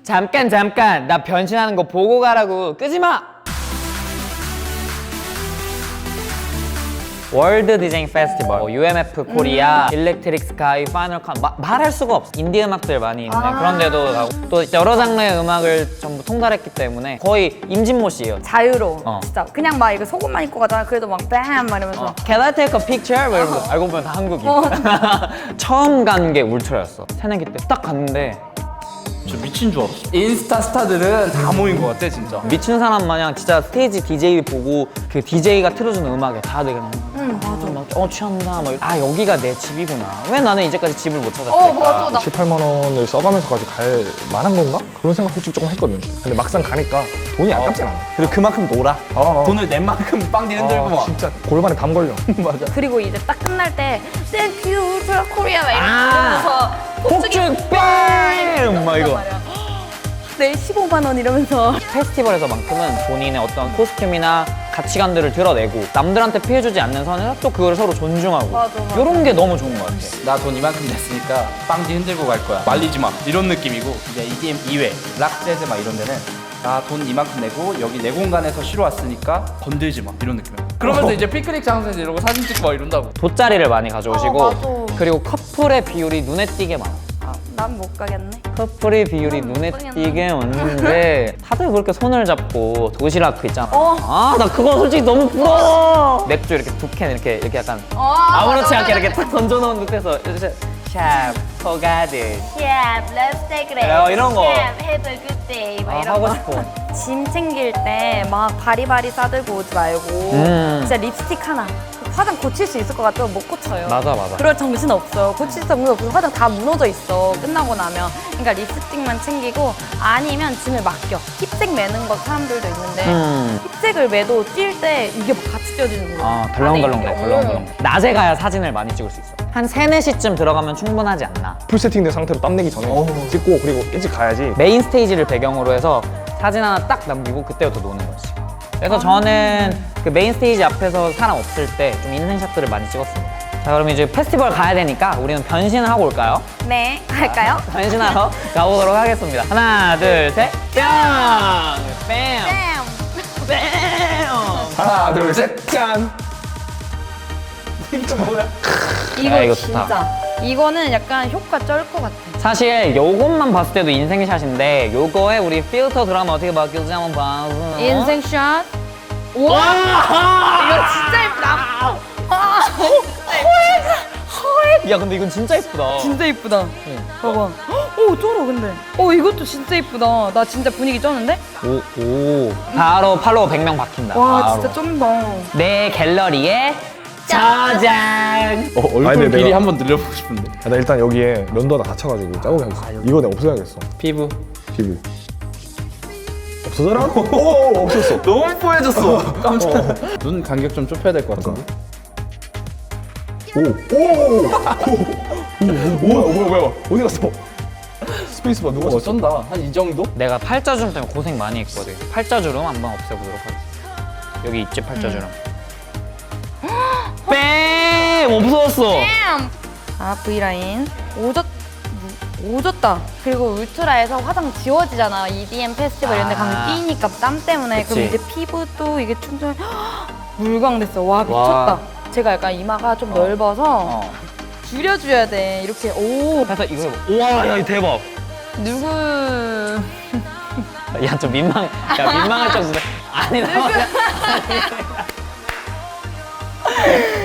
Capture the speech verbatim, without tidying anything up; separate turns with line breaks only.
잠깐 잠깐 나 변신하는 거 보고 가라고. 끄지 마. 월드 디제잉 페스티벌, 유엠에프 코리아, 음. 일렉트릭 스카이, 파이널 칸 마, 말할 수가 없어. 인디 음악들 많이 있는 아 그런 데도 가고 또 여러 장르의 음악을 전부 통달했기 때문에 거의 임진모 씨예요.
자유로워.
어.
진짜 그냥 막 이거 속옷만 입고 가잖아. 그래도 막 뺨! 막 이러면서
어. Can I take a picture? 막 이러면서 알고 보면 다 한국인.
어.
처음 간 게 울트라였어. 새내기 때 딱 갔는데
저 미친 줄 알았어. 인스타 스타들은 다 모인 것 같아 진짜.
미친 사람 마냥 진짜 스테이지 디제이 보고 그 디제이가 틀어주는 음악에 다들 그냥
응 맞아.
막, 어 취한다 막. 아 여기가 내 집이구나. 왜 나는 이제까지 집을 못 찾았을까?
어 맞아. 나
칠, 팔만 원을 써가면서까지 갈 만한 건가? 그런 생각 솔직히 조금 했거든. 근데 막상 가니까 돈이 아깝진 않아.
그리고 그만큼 놀아.
어, 어.
돈을 낸 만큼 빵디 흔들고
아,
막.
진짜 골반에 담 걸려. 맞아.
그리고 이제 딱 끝날 때 Thank you 울트라 코리아 막
아.
이러면서
폭죽 뺨! 막 이거.
내일 십오만 원 이러면서
페스티벌에서만큼은 본인의 어떤 코스튬이나 가치관들을 드러내고 남들한테 피해주지 않는 선에서 또 그걸 서로 존중하고
맞아, 맞아.
이런 게 너무 좋은 것 같아.
나 돈 이만큼 냈으니까 빵디 흔들고 갈 거야. 말리지 마. 이런 느낌이고 이제 이디엠 이외, 락 재즈 막 이런 데는 나 돈 이만큼 내고 여기 내 공간에서 쉬러 왔으니까 건들지 마. 이런 느낌이야. 그러면서 이제 피크닉 장소에서 이러고 사진 찍고 막 이런다고.
돗자리를 많이 가져오시고
어, 맞아.
그리고 커플의 비율이 눈에 띄게 많아.
난 못 가겠네.
커플의 비율이
난
눈에
못 가겠네.
띄게 왔는데 다들 그렇게 손을 잡고 도시락 그 있잖아.
어.
아 나 그거 솔직히 너무 부러워. 맥주 이렇게 두 캔 이렇게 이렇게 약간
어,
아무렇지
맞아,
않게
맞아,
이렇게 탁 던져놓은 듯해서 샵 포가드
Yeah, let's take it.
어, 이런 거.
Yeah, have a good day. 막
아,
이런
하고
거.
싶어.
짐 챙길 때 막 바리바리 싸들고 오지 말고
음.
진짜 립스틱 하나 화장 고칠 수 있을 것 같아도 못 고쳐요.
맞아 맞아.
그럴 정신 없어요. 고칠 정신 없고 화장 다 무너져 있어. 끝나고 나면. 그러니까 립스틱만 챙기고 아니면 짐을 맡겨. 힙색 매는 거 사람들도 있는데
음.
힙색을 매도 뛸 때 이게 막 같이 띄어지는 거야.
아 덜렁덜렁 돼
안에 이게.
덜렁덜렁. 낮에 가야 사진을 많이 찍을 수 있어. 한 세네 시쯤 들어가면 충분하지 않나.
풀 세팅된 상태로 땀 내기 전에 찍고 그리고 일찍 가야지.
메인 스테이지를 배경으로 해서 사진 하나 딱 남기고 그때부터 노는 거지. 그래서 저는 그 메인 스테이지 앞에서 사람 없을 때 좀 인생샷들을 많이 찍었습니다. 자 그럼 이제 페스티벌 가야 되니까 우리는 변신을 하고 올까요?
네, 할까요?
변신하러 가보도록 하겠습니다. 하나 둘 셋 뿅! 뺨!
쌤!
뺨!
하나 둘 셋 짠.
이거,
야, 이거
진짜.
좋다.
이거는 약간 효과 쩔 것 같아.
사실 요것만 봤을 때도 인생샷인데 요거에 우리 필터 들어가면 어떻게 바뀌었지 한번 봐.
인생샷. 우와! 이거 진짜 예쁘다. 아,
야 근데 이건 진짜 예쁘다.
진짜 예쁘다. 봐봐. 오, 쩔어, 근데. 오, 이것도 진짜 예쁘다. 나 진짜 분위기 쩌는데?
오, 오. 바로 팔로워 백 명 박힌다.
와,
바로.
진짜 쩐다.
내 갤러리에 저장.
어, 얼굴
아니, 근데
길이
내가-
한번 늘려보고 싶은데.
야, 나 일단 여기에 면도 하나 다쳐가지고 자국이 하겠어. 이거 내가 없애야겠어.
피부.
피부. 없어져라? 오, 없었어.
너무 뽀해졌어. 깜짝. 눈 간격 좀 좁혀야 될 것 같은데.
오, 오, 오, 오, 오, 뭐야, 뭐야, 어디 갔어? 스페이스바 누가
어,
썼어?
쩐다. 한 이 정도?
내가 팔자주름 때문에 고생 많이 했거든. 팔자주름 한번 없애보도록 하겠습니다. 여기 있지 팔자주름. 뺨! 없어졌어.
아, V라인. 오졌, 오졌다. 그리고 울트라에서 화장 지워지잖아. 이디엠 페스티벌 이런 데 가면
아.
끼니까 땀 때문에.
그치.
그럼 이제 피부도 이게 충전 물광됐어. 와, 미쳤다.
와.
제가 약간 이마가 좀 넓어서
어.
줄여줘야 돼. 이렇게. 오,
그래서 이거 해봐. 우와, 야, 이거 대박.
누구.
야, 좀 민망, 야, 민망할 정도인데. 아니, 나.